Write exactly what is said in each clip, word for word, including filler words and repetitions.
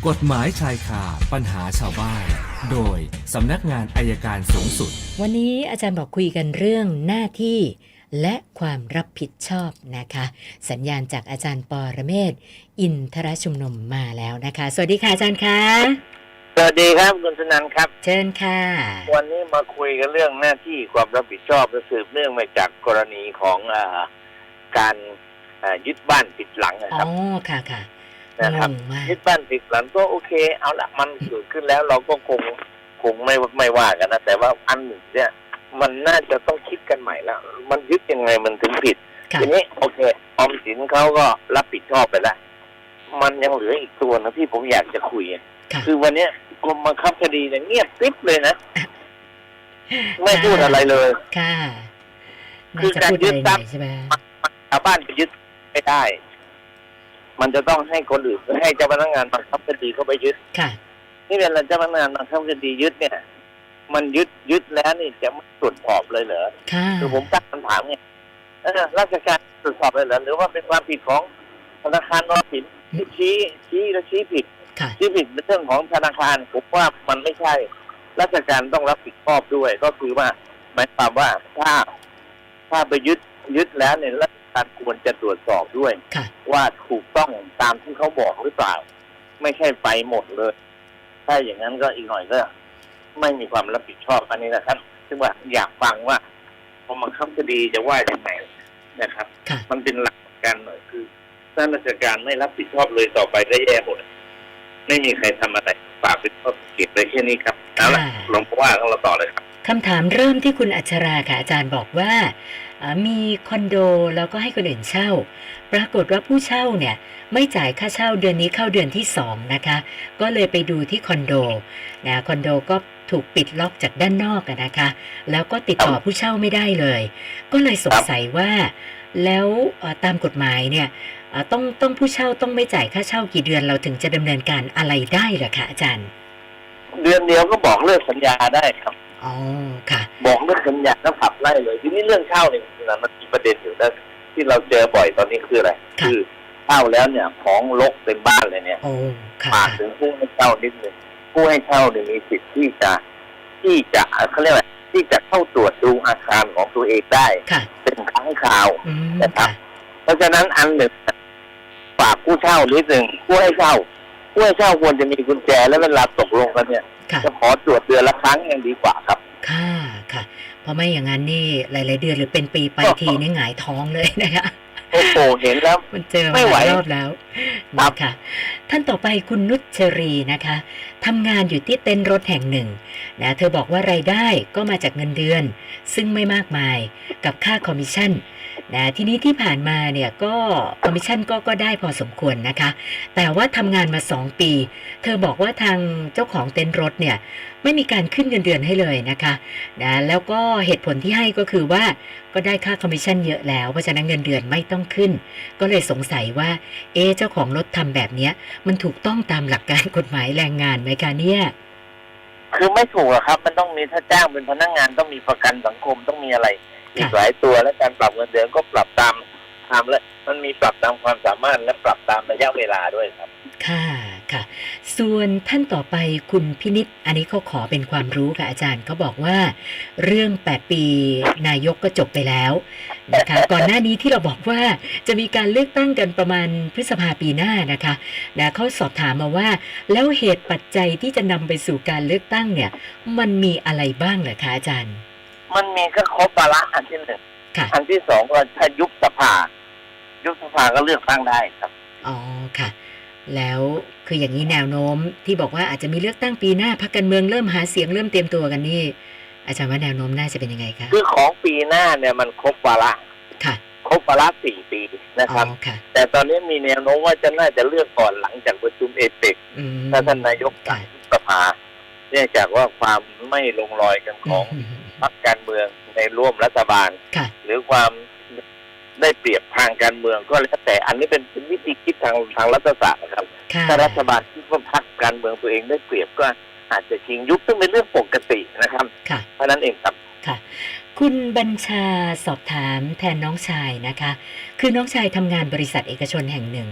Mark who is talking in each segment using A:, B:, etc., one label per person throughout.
A: กฎหมายชายคาปัญหาชาวบ้านโดยสำนักงานอัยการสูงสุด
B: วันนี้อาจารย์บอกคุยกันเรื่องหน้าที่และความรับผิดชอบนะคะสัญญาณจากอาจารย์ปรเมศวร์อินทรชุมนุมมาแล้วนะคะสวัสดีค่ะอาจารย์คะ
C: สวัสดีครับคุณสนันท์ครับ
B: เชิญค่ะ
C: วันนี้มาคุยกันเรื่องหน้าที่ความรับผิดชอบและสืบเนื่องมาจากกรณีของอ่าการอ่ายึดบ้านปิดหลังนะครับ
B: อ๋อค่ะค่ะ
C: นะครับยึดบ้านปิดหลังก็โอเคเอาละมันเกิดขึ้นแล้วเราก็คงคงไม่ไม่ว่ากันนะแต่ว่าอันหนึ่งเนี่ยมันน่าจะต้องคิดกันใหม่แล้วมันยึดยังไงมันถึงผิดทีนี้โอเคออมสินเขาก็รับผิดชอบไปแล้วมันยังเหลืออีกตัวนะที่ผมอยากจะคุยคือวันนี้กรมบังคับคดีเนี่ยเงียบกริบเลยนะไม่พูดอะไรเลย
B: ค่ะ
C: คือการยึดทรัพย์ชาวบ้านไปยึดไม่ได้มันจะต้องให้คนอื่นให้เจ้าพนักงานบังคับคดีเข้าไปยึด
B: ค่ะ
C: นี่เป็นเจ้าพนักงานบังคับคดียึดเนี่ยมันยึดยึดแล้วนี่จะไม่ตรวจสอบเลยเหรอคือผมตั้งคำถามไงราชการตรวจสอบเลยเหรอหรือว่าเป็นความผิดของธนาคารออมสินที่ชี้ชี้และชี้ผิดชี้ผิดเป็นเรื่องของธนาคารผมว่ามันไม่ใช่ราชการต้องรับผิดชอบด้วยก็คือว่าหมายความว่าถ้าถ้าไปยึดยึดแล้วเนี่ยราชการควรจะตรวจสอบด้วยว่าถูกต้องตามที่เขาบอกหรือเปล่าไม่ใช่ไปหมดเลยถ้าอย่างนั้นก็อีกหน่อยก็ไม่มีความรับผิดชอบอันนี้นะครับซึ่งว่าอยากฟังว่าพอมาคับคดีจะว่าอย่างไรนะครับมันเป็นหลักการหน่อยคือถ้าราชการไม่รับผิดชอบเลยต่อไปได้แย่หมดไม่มีใครทำอะไรฝากเป็นข้อสังเกตไว้แค่นี้ครับเอาละลองว่ากันเราต่อเลยครับ
B: คำถามเริ่มที่คุณอัชราค่ะอาจารย์บอกว่ามีคอนโดแล้วก็ให้คนอื่นเช่าปรากฏว่าผู้เช่าเนี่ยไม่จ่ายค่าเช่าเดือนนี้เข้าเดือนที่สองนะคะก็เลยไปดูที่คอนโดนะคอนโดก็ถูกปิดล็อกจากด้านนอกนะคะแล้วก็ติดต่อผู้เช่าไม่ได้เลยก็เลยสงสัยว่าแล้วตามกฎหมายเนี่ยต้องต้องผู้เช่าต้องไม่จ่ายค่าเช่ากี่เดือนเราถึงจะดำเนินการอะไรได้เหรอคะอาจารย์
C: เดือนเดียวก็บอกเลิกสัญญาได้ครับ
B: อ๋อค่ะ
C: บอกเลิกสัญญาแล้วขับไล่เลยทีนี้เรื่องเช่าเนี่ยมันมีประเด็นอยู่นะที่เราเจอบ่อยตอนนี้คืออะไรคือเช่าแล้วเนี่ยของรกเต็มบ้านเลยเนี่ยฝากถึงผู้ให้เช่านิดนึงผู้ให้เช่าเนี่ยมีสิทธิ์ที่จะที่จะเขาเรียกว่าที่จะเข้าตรวจดูอาคารของตัวเองได้เป็นครั้งคราวนะครับเพราะฉะนั้นอันหนึ่งฝากผู้เช่านิดหนึ่งผู้ให้เช่าผู้ให้เช่าควรจะมีกุญแจและเวลาตกลงกันเนี่ยจะขอตรวจเดือนละครั้งยังดีกว่าครับ
B: ค่ะค่ะเพราะไม่อย่างนั้นนี่หลายๆเดือนหรือเป็นปีไปทีนี่หงายท้องเลยนะคะ
C: โอ้โหเห็นแล้ว
B: มันเจอมาหลายรอบแล้วนะคะท่านต่อไปคุณนุชชรีนะคะทำงานอยู่ที่เต็นท์รถแห่งหนึ่งนะเธอบอกว่ารายได้ก็มาจากเงินเดือนซึ่งไม่มากมายกับค่าคอมมิชชั่นนะทีนี้ที่ผ่านมาเนี่ยก็คอมมิชชั่นก็ก็ได้พอสมควรนะคะแต่ว่าทำงานมาสองปีเธอบอกว่าทางเจ้าของเต็นท์รถเนี่ยไม่มีการขึ้นเงินเดือนให้เลยนะคะนะแล้วก็เหตุผลที่ให้ก็คือว่าก็ได้ค่าคอมมิชชั่นเยอะแล้วเพราะฉะนั้นเงินเดือนไม่ต้องขึ้นก็เลยสงสัยว่าเอ๊ะเจ้าของรถทำแบบนี้มันถูกต้องตามหลักการกฎหมายแรงงานไหมคะเนี่ย
C: คือไม่ถูกอะครับมันต้องมีถ้าจ้างเป็นพนักงานต้องมีประกันสังคมต้องมีอะไรอีกหลายตัวและการปรับเงินเดือนก็ปรับตามตามและมันมีปรับตามความสามารถและปรับตามระยะเวลาด้วยครับ
B: ค่ะค่ะส่วนท่านต่อไปคุณพินิจอันนี้เขาขอเป็นความรู้ค่ะอาจารย์เขาบอกว่าเรื่องแปดปีนายกก็จบไปแล้วนะคะก่อนหน้านี้ที่เราบอกว่าจะมีการเลือกตั้งกันประมาณพฤษภาปีหน้านะคะนะเขาสอบถามมาว่าแล้วเหตุปัจจัยที่จะนำไปสู่การเลือกตั้งเนี่ยมันมีอะไรบ้างเหรอคะอาจารย์
C: มันมีก็ครบวาระอันที่หนึ่งอันที่สองก็ถ้ายุบสภายุบสภาก็เลือกตั้งได้ครับ
B: อ๋อค่ะแล้วคืออย่างนี้แนวโน้มที่บอกว่าอาจจะมีเลือกตั้งปีหน้าพรรคการเมืองเริ่มหาเสียงเริ่มเตรียมตัวกันนี่อาจารย์ว่าแนวโน้มน่าจะเป็นยังไงคะ
C: คือของปีหน้าเนี่ยมันครบวาระ
B: ค่ะ
C: ครบวาระสี่ปีนะครับแต่ตอนนี้มีแนวโน้มว่าจะน่าจะเลือกก่อนหลังจากประชุมเอเปกถ้าท่านนายกสั่งยุบสภาเนื่องจากว่าความไม่ลงรอยกันของพรรคการเมืองในร่วมรัฐบาลหรือความได้เปรียบทางการเมืองก็แล้วแต่อันนี้เป็นวิธีคิดทางทางรัฐศาสตร์นะครับถ้ารัฐบาลคิดว่าพรรคการเมืองตัวเองได้เปรียบก็อาจจะชิงยุบซึ่งเป็นเรื่องปกตินะครับเพราะนั้นเองครับ
B: ค่ะคุณบัญชาสอบถามแทนน้องชายนะคะคือน้องชายทำงานบริษัทเอกชนแห่งหนึ่ง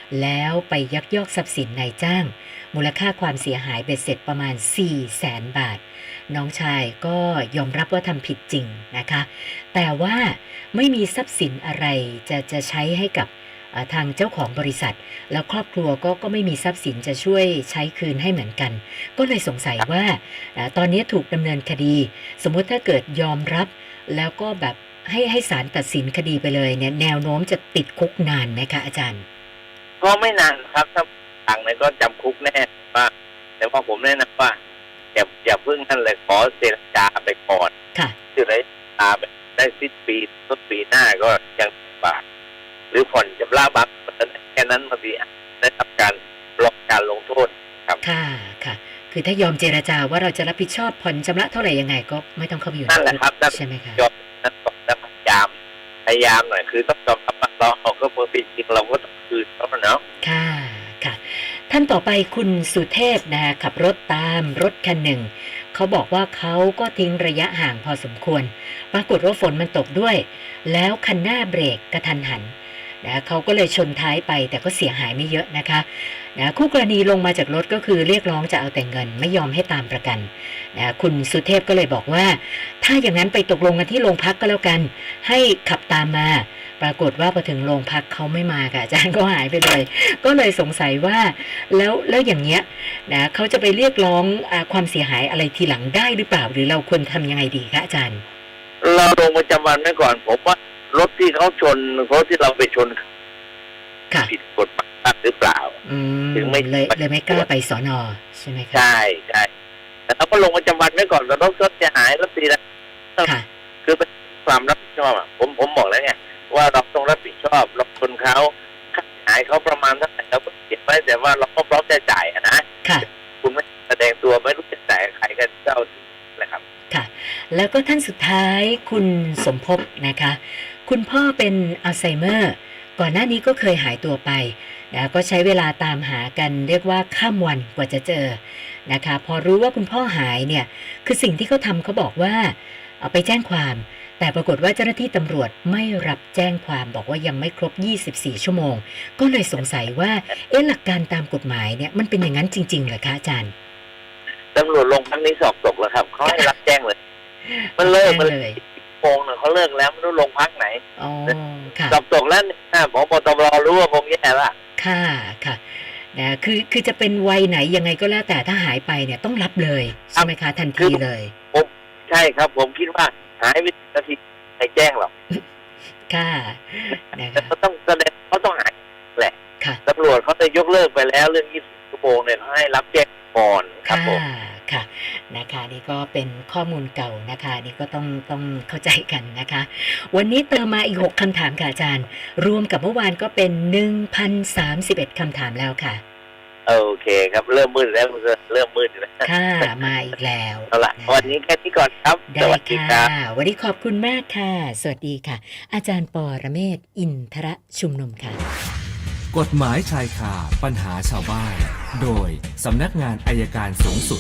B: แล้วไปยักยอกทรัพย์สินนายจ้างมูลค่าความเสียหายเบ็ดเสร็จประมาณ สี่แสน บาทน้องชายก็ยอมรับว่าทำผิดจริงนะคะแต่ว่าไม่มีทรัพย์สินอะไรจะจะใช้ให้กับทางเจ้าของบริษัทแล้วครอบครัวก็ก็ไม่มีทรัพย์สินจะช่วยใช้คืนให้เหมือนกันก็เลยสงสัยว่าตอนนี้ถูกดำเนินคดีสมมุติถ้าเกิดยอมรับแล้วก็แบบให้ให้ศาลตัดสินคดีไปเลยเนี่ยแนวโน้มจะติดคุกนานไหมคะอาจารย์
C: ก็ไม่นานครับถ้าต่างเนี่ยก็จำคุกแน่ว่าแต่ว่าผมแนะนำว่าอย่าอย่าเพิ่งนั่นเลยขอเจรจาไปก่อน
B: ค่ะ
C: คือไรตาไปได้สิ้นปีต้นปีหน้าก็ยังบาทหรือผ่อนชำระบัตรแค่นั้นมาดีได้ทำการลดการลงโทษครับ
B: ค่ะค่ะคือถ้ายอมเจรจาว่าเราจะรับผิดชอบผ่อนชำระเท่าไหร่ยังไงก็ไม่ต้องเข้าไปอยู่ใน
C: นั่นแหละครับ
B: ใช่ไหมคะ
C: ยอมนั่นก็พยายามพยายามหน่อยคือต้องยอมรับว่าเราเอาก็เพื่อผิดจริงเราก็ต้องคืนเขาเนาะ
B: ค่ะค่ะท่านต่อไปคุณสุเทพนะคะขับรถตามรถคันหนึ่งเขาบอกว่าเขาก็ทิ้งระยะห่างพอสมควรปรากฏว่าฝนมันตกด้วยแล้วคันหน้าเบรกกระทันหันนะเขาก็เลยชนท้ายไปแต่ก็เสียหายไม่เยอะนะคะนะคู่กรณีลงมาจากรถก็คือเรียกร้องจะเอาแต่เงินไม่ยอมให้ตามประกันนะคุณสุเทพก็เลยบอกว่าถ้าอย่างนั้นไปตกลงกันที่โรงพักก็แล้วกันให้ขับตามมาปรากฏว่าพอถึงโรงพักเขาไม่มาค่ะอาจารย์ก็หายไปเลยก็เลยสงสัยว่าแล้วแล้วอย่างเงี้ยนะเขาจะไปเรียกร้องความเสียหายอะไรทีหลังได้หรือเปล่าหรือเราควรทำยังไงดีคะอาจารย์
C: เราลงประจำวันไว้ก่อนผมว่ารถที่เขาชนรถที่เราไปชนผิดกฎหมายหรือเปล่า
B: ถึงไม่เลยเลยไม่กล้าไปสน.ใช่ไหมครับ
C: ใช่ใช่แต่เราก็ลงประจำวันไว้ก่อนแล้วรถรถจะหายรถตีนะคือเป็นความรับผิดชอบอ่ะผมผมบอกแล้วไงว่าเราต้องรับผิดชอบรถชนเขาค่าหายเขาประมาณเท่าไหร่เราก็เก็บไว้แต่ว่าเราก็พร้อมจะจ่ายนะคุณไม่แสดงตัวไม่รู้จะจ่ายใครกันเจ้านะครับ
B: ค่ะแล้วก็ท่านสุดท้ายคุณสมภพนะคะคุณพ่อเป็นอัลไซเมอร์ก่อนหน้านี้ก็เคยหายตัวไปนะก็ใช้เวลาตามหากันเรียกว่าข้ามวันกว่าจะเจอนะคะพอรู้ว่าคุณพ่อหายเนี่ยคือสิ่งที่เขาทำเขาบอกว่าเอาไปแจ้งความแต่ปรากฏว่าเจ้าหน้าที่ตำรวจไม่รับแจ้งความบอกว่ายังไม่ครบยี่สิบสี่ชั่วโมงก็เลยสงสัยว่าเอ๊ะหลักการตามกฎหมายเนี่ยมันเป็นอย่างนั้นจริงๆเหรอคะอาจารย์
C: ตำรวจลงครั้งนี้สอบตกแล้วครับเขาให้รับแจ้งเลยมันเลิกมันเลยโกงเนี่ยเขาเลิกแล้วไม่รู้ลงพักไหน
B: อ๋อค่ะ
C: สอบตกแล้วเนี่ยผมปตบรู้ว่าคงแย่ละ
B: ค่ะค่ะนะคือคือจะเป็นวัยไหนยังไงก็แล้วแต่ถ้าหายไปเนี่ยต้องรับเลยใช่ไหมคะทันทีเลย
C: ผมใช่ครับผมคิดว่าหายวินาทีใครแจ้งหรอก
B: ค่ะนะคะ
C: เขาต้องแสดงเขาต้องหายแหละ
B: ค่ะ
C: ตำรวจเขาจะยกเลิกไปแล้วเรื่องยี่สิบชั่วโมงเนี่ยเขาให้รับแจ้งก่อนครับผม
B: ค่ะนะคะนี่ก็เป็นข้อมูลเก่านะคะนี่ก็ต้องต้องเข้าใจกันนะคะวันนี้เติมมาอีกหกคำถามค่ะอาจารย์รวมกับเมื่อวานก็เป็น หนึ่งพันสามสิบเอ็ด คำถามแล้วค่ะ
C: โอเคครับเริ่มมืดแล้วเริ่มมืดแล้ว
B: ค่ะมาอีกแล้ว
C: เอาล่ะวันนี้แค่นี้ก่อนครับ
B: สวัสดีค่ะวันนี้ขอบคุณมากค่ะสวัสดีค่ะอาจารย์ปรเมศวร์อินทรชุมนุมค่ะ
A: กฎหมายชายคาปัญหาชาวบ้านโดยสำนักงานอัยการสูงสุด